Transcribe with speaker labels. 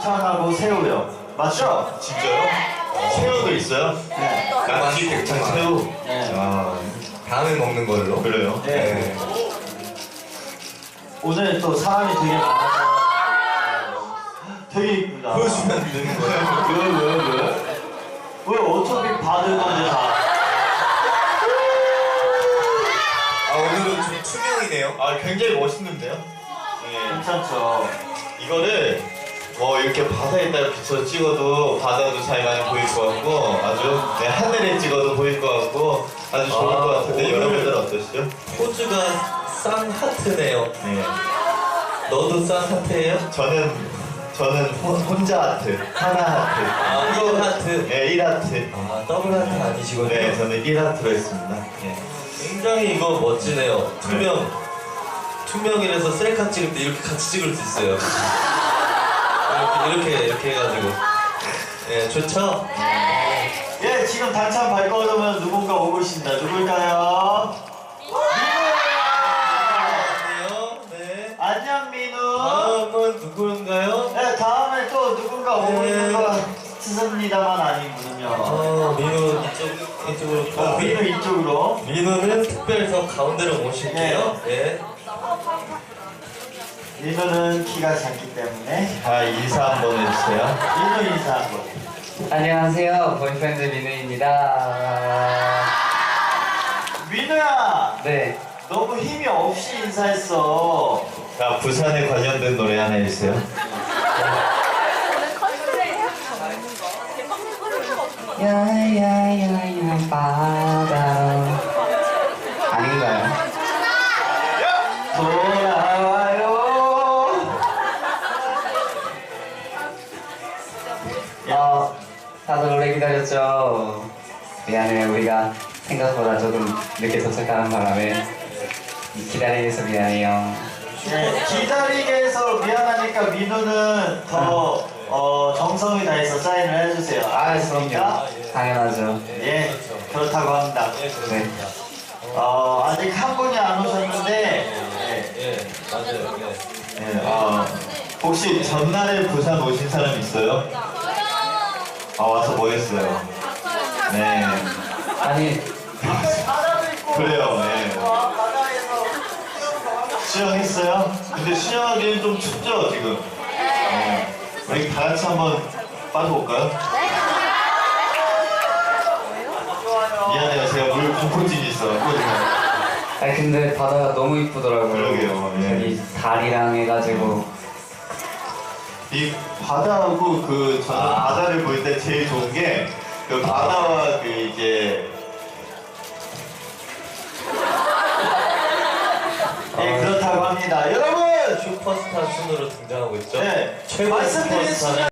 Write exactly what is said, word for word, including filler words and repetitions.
Speaker 1: 백창하고 새우요. 맞죠?
Speaker 2: 진짜요? 새우도 있어요?
Speaker 1: 네.
Speaker 2: 낙지 백창 새우.
Speaker 1: 네.
Speaker 2: 아, 다음에 먹는 걸로. 그래요?
Speaker 1: 네. 오늘 또 사람이 되게 많아서 되게 이쁘다.
Speaker 2: 보여주면 안 되는 거예요?
Speaker 1: 왜, 왜, 왜? 왜 어차피 받을 건데 다.
Speaker 2: 아, 오늘은 좀 투명이네요. 아, 굉장히 멋있는데요? 네.
Speaker 1: 괜찮죠?
Speaker 2: 이거를 뭐 이렇게 바다에다가 비춰서 찍어도 바다도 잘 많이 보일 것 같고 아주 네, 하늘에 찍어도 보일 것 같고 아주 좋을
Speaker 3: 아,
Speaker 2: 것 같은데
Speaker 3: 오늘-
Speaker 2: 여러분들 어떠시죠?
Speaker 3: 포즈가 쌍 하트네요.
Speaker 2: 네.
Speaker 3: 너도 쌍 하트예요?
Speaker 2: 저는 저는 혼, 혼자 하트, 하나 하트.
Speaker 3: 아, 일 하트.
Speaker 2: 네, 일 하트.
Speaker 3: 아, 더블 하트 아니시군요.
Speaker 2: 네, 저는 일 하트로 했습니다. 네.
Speaker 3: 굉장히 이거 멋지네요. 투명. 투명이라서 셀카 찍을 때 이렇게 같이 찍을 수 있어요. 이렇게, 이렇게, 이렇게 해가지고. 예, 좋죠?
Speaker 1: 예, 지금 단참 발걸으면 누군가 오고 있습니다. 누굴까요?
Speaker 3: 안녕. 네.
Speaker 1: 안녕, 민우.
Speaker 3: 다음은 누구인가요?
Speaker 1: 네, 다음에 또 누군가 오고
Speaker 3: 네.
Speaker 1: 있는 것 같습니다만 아니군요.
Speaker 3: 어, 민우 이쪽, 이쪽으로.
Speaker 1: 어, 민우 이쪽으로.
Speaker 3: 민우는 특별해서 가운데로 모실게요. 예.
Speaker 1: 민우는 키가 작기 때문에
Speaker 2: 자, 인사 한번 해주세요.
Speaker 1: 민우 인사 한번.
Speaker 4: 안녕하세요. 보이프렌드 민우입니다.
Speaker 1: 민우야!
Speaker 4: 네.
Speaker 1: 너무 힘이 없이 인사했어.
Speaker 2: 자, 부산에 관련된 노래 하나 해주세요.
Speaker 4: 야야야야 바다. 아닌가요?
Speaker 1: 돌아와요.
Speaker 4: 어, 다들 오래 기다렸죠? 미안해요. 우리가 생각보다 조금 늦게 도착하는 바람에 기다리게 해서 미안해요.
Speaker 1: 네, 기다리게 해서 미안하니까 민우는 더 어, 정성이 다해서 사인을 해주세요. 알겠습니까?
Speaker 4: 당연하죠.
Speaker 1: 예, 그렇다고 합니다.
Speaker 4: 네.
Speaker 1: 어, 아직 한 분이 안 오셨는데 네,
Speaker 3: 예, 맞아요. 예.
Speaker 2: 네, 어, 혹시 전날에 부산 오신 사람 있어요? 아, 와서 뭐 했어요? 네.
Speaker 4: 아니,
Speaker 1: 바다도 있고
Speaker 2: 그래요, 네.
Speaker 1: 어, 바다에서
Speaker 2: 수영했어요? 근데 수영하기엔 좀 춥죠, 지금? 네. 우리 다 같이 한번 빠져볼까요? 미안해요, 제가 물 공포증이 있어갖고 지금.
Speaker 4: 아니 근데 바다가 너무 이쁘더라고요.
Speaker 2: 그러게요, 예.
Speaker 4: 저기 달이랑 해가지고.
Speaker 2: 이 바다하고 그 저는
Speaker 3: 아.
Speaker 2: 바다를 볼 때 제일 좋은 게 그 바다와 그 이제
Speaker 1: 예, 그렇다고 합니다. 여러분!
Speaker 3: 슈퍼스타 순으로 등장하고 있죠.
Speaker 1: 네,
Speaker 3: 최고
Speaker 1: 말씀드린
Speaker 3: 슈퍼스타는
Speaker 1: 순간